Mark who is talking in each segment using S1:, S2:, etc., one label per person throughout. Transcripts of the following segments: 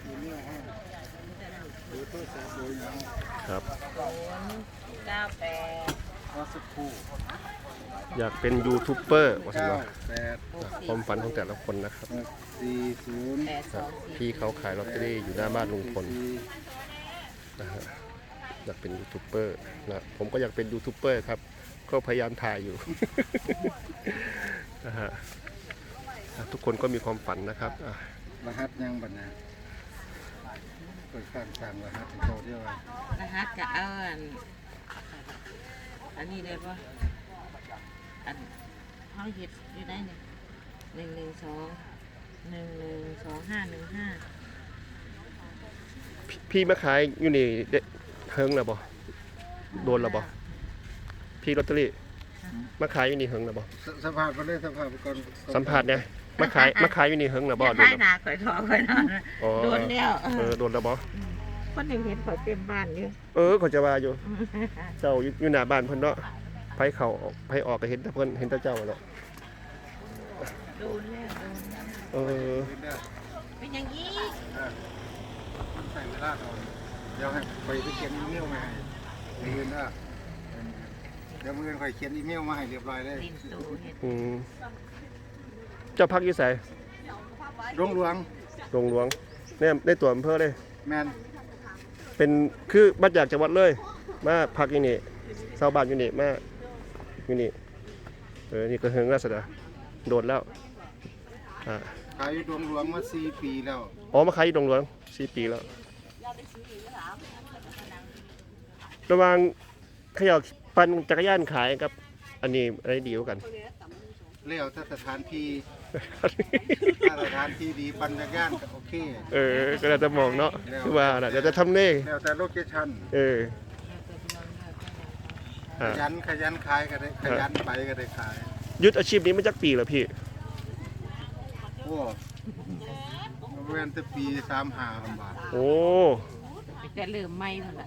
S1: ครับ
S2: 098ก็สักครู่
S1: อยากเป็นยูทูบเบอร์ว่าสิว่า
S2: 98
S1: ความฝันของแต่ละคนนะครับ
S2: 40
S1: พี่เขาขายลอตเตอรี่อยู่หน้าบ้านลุงพลนะฮะอยากเป็นยูทูบเบอร์นะผมก็อยากเป็นยูทูบเบอร์ครับก็พยายามถ่ายอยู่ นะฮะทุกคนก็มีความฝันนะครับ
S2: รหัสยังบัดนะเปิดการสั่งรหัสโตเดียว
S3: รหัสกับอันนี้ได้ปะอันเขาเห็ดอยู่ได้เนี่ย112112515
S1: พี่มาขายอยู่นี่เฮิงแล้วบ่โดนแล้วบ่พี่ลอตเตอรี่มาขายอยู่นี่เฮิงแล้วบ่
S2: สัมภาษณ์ก็เลยสัมภาษณ์ก่อน
S1: สัมผัสเนี่ยมาขายอยู่นี่เฮิงแล้วบ่โดนแล้ว
S3: หนาข่อยทอข่อยนอนโดนแล้ว
S1: โดนแล้วบ่
S3: คนหนึ่งเห็นข่อยเต็มบ้านอยู่
S1: เขาจะว่าอยู่เจ้าอยู่หน้าบ้านเพิ่นเนาะไผเข้าไผออกก็เห็นแต่เพิ่นเห็นแต่เจ้าเนาะ
S3: โดนแล้วเป็นอย่างนี้
S2: ใส่เวลาก่อนเดี๋ยวให้ไปเขียนอีเมลมาให้เรียนนะเดี๋ยวมือไปเขียนอีเมลมาให้เรียบร้อยเลย
S1: เจ้าพักอยู่ไส
S2: หลวง
S1: เนี่ยได้ตัวอำเภอเลย
S2: แมน
S1: เป็นคือมาจากจังหวัดเลยมาพักอยู่นี่ชาวบ้านอยู่นี่มาอยู่นี่นี่ก็เฮิงราษฎรโดนแล้ว
S2: ขายอยู่หลวงมา4 ปีแล้ว
S1: มาขายอยู่หลวง4 ปีแล้วระหว่างขยับปั่นจักรยานขายกับอันนี้อะไรดีกว่ากัน
S2: เลี้ยวถ้าสถานที่ดีปั่นจักรยานก็โอเค
S1: ก็แล้วแต่มองเนาะคือว่าน่ะเดี๋ยวจะทำเน่
S2: แล้วแต่โลเคชั่นขยันขายก็ได้ขยันไปก็ได้ขาย
S1: ยึดอาชีพนี้มาจากปีแล้วพี่
S2: โอ้เว้นแต่ปี35,000 บาท
S1: โอ้
S3: จะเริ่มไม่หมดละ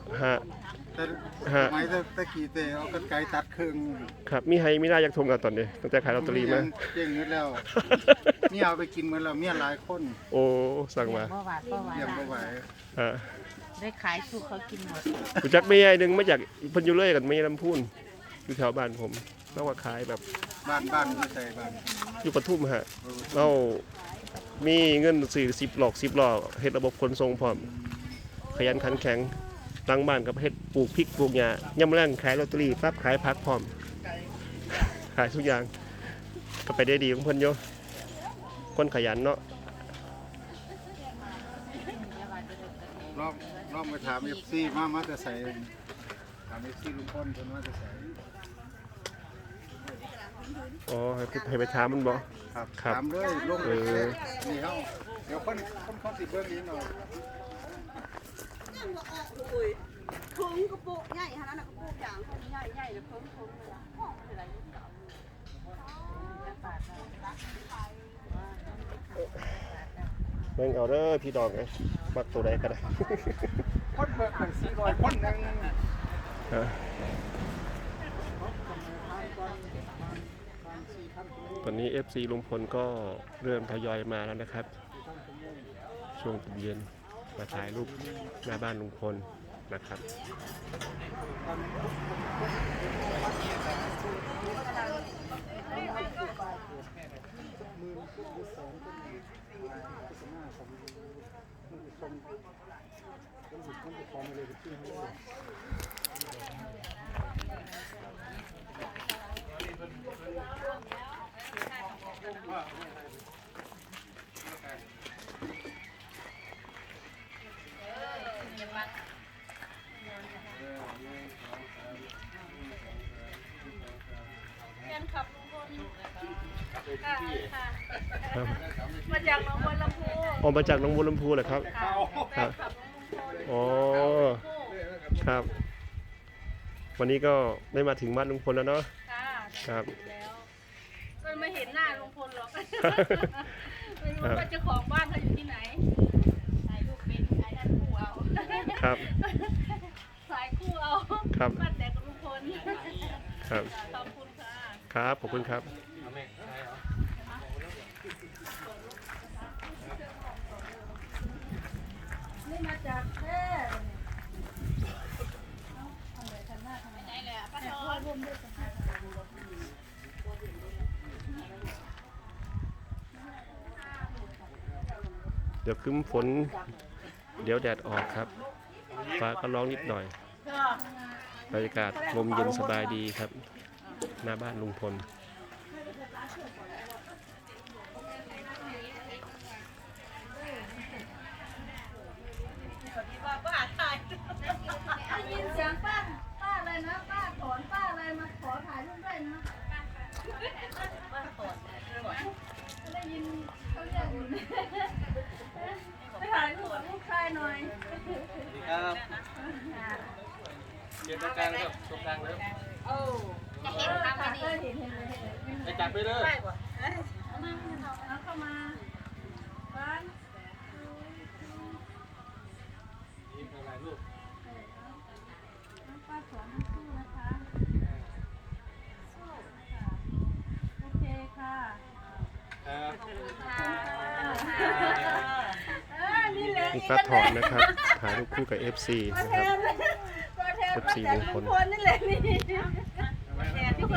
S2: ไม่ตะกี้เอากันไกตัดครึ่ง
S1: ครับมีให้มีหน้าอยากทมกันตอนนี้ตั้งแต่ขายลอตเตอรี่มา
S2: เจ๊งนิดแล้วเมียเอาไปกินเหมือนเราเมียหลายคน
S1: สั่งมา
S2: เยี่ยมบ่ไหว
S3: ได้ขายสู้เขากินหมด
S1: กูจักไม่ใหญ่นึงมาจากพันยุเล่กันไม่ลำพูนอยู่แถวบ้านผมแล้วว่าขายแบบ
S2: บ้านที่ใส่บ้าน
S1: อยู่ปทุมฮะเรามีเงินซื้อ10 ล้อเฮ็ดระบบขนส่งพร้อมขยันขันแข็งตั้งบ้านกับเฮ็ดปลูกพริกปลูกหญ้าย่ำแรงขายลอตเตอรี่ปั๊บขายผักพร้อมขายทุกอย่างก็ไปได้ดีของเพิ่นโยคนขยันเนาะ
S2: ลองไปถาม FC มาจะใส่ถาม FC ลุงพลเพิ่นว่าจะใส่
S1: ให้ไปถามมันบ่
S2: ครับถามเลยลงเลยนี่เฮาเดี๋ยวคนสิเบิ่งนี้หน่อย
S4: เพิ่งกระปุกใหญ่ขนาดนั้นกระปุกอย่างใหญ่เลยเพิ่งเลยอ่ะอะไร
S1: เบิ่งเอาเด้อพี่ดอกไงมักตัวใดก็ได้
S2: คนเบิ่ง400คนนึง
S1: ตอนนี้ FC ลุงพลก็เริ่มทยอยมาแล้วนะครับช่วงเย็นมาถ่ายรูปหน้าบ้านลุงพลนะครับ
S4: มาจากหนองบัวลำพู
S1: มาจากหนองบัวลำพูเหรอครับครับวันนี้ก็ได้มาถึงบ้านลุงพลแล้วเนาะครับ
S4: ก็ไม่เห็นหน้าลุงพลหรอกไม่รู้ว่าเจ้าของบ้านเขาอยู่ที่ไหนถ่ายรูปเป็นถ่ายด้านคู่เอา
S1: ครับ
S4: ถ่ายคู่เอาบ้านแต่กับลุงพล
S1: ครับ
S4: ขอบคุณค่ะ
S1: ครับขอบคุณครับ
S4: มาจากแพร่เอาอะไรทำหน้าทำไมไหนเลยป้าทอนร่วมด้วยกัน
S1: เดี๋ยวครึ้มฝนเดี๋ยวแดดออกครับฟ้าก็ร้องนิดหน่อยบรรยากาศลมเย็นสบายดีครับหน้าบ้านลุงพล
S4: ได้ยินเสียงป้าอะไรนะป้าถอนป้าอะไรมาขอถ่ายรูปด้วยนะได้ยินเขาเรียกอยู่ไปถ่ายรูปกับลูกชายหน่อย
S2: ครับเก็บตรงกลางครับตรงกลางแล้ว
S4: จะเห็นทำอะไรเห็นเลย
S2: ไปจับไปเลย
S4: เอาเข้ามาบ้าน
S2: นี่เป็นอะไรลูก
S4: ป้าสอนให้สู้นะคะสู้ค่ะโอเคค่ะ
S2: ครับ
S4: นี่แหละ
S1: นี่ป้าถอนนะครับ ถ่ายรูปคู่กับ FC นะครับ
S4: ก็แทน
S1: FC ลุงพล
S4: นี่แหละนี่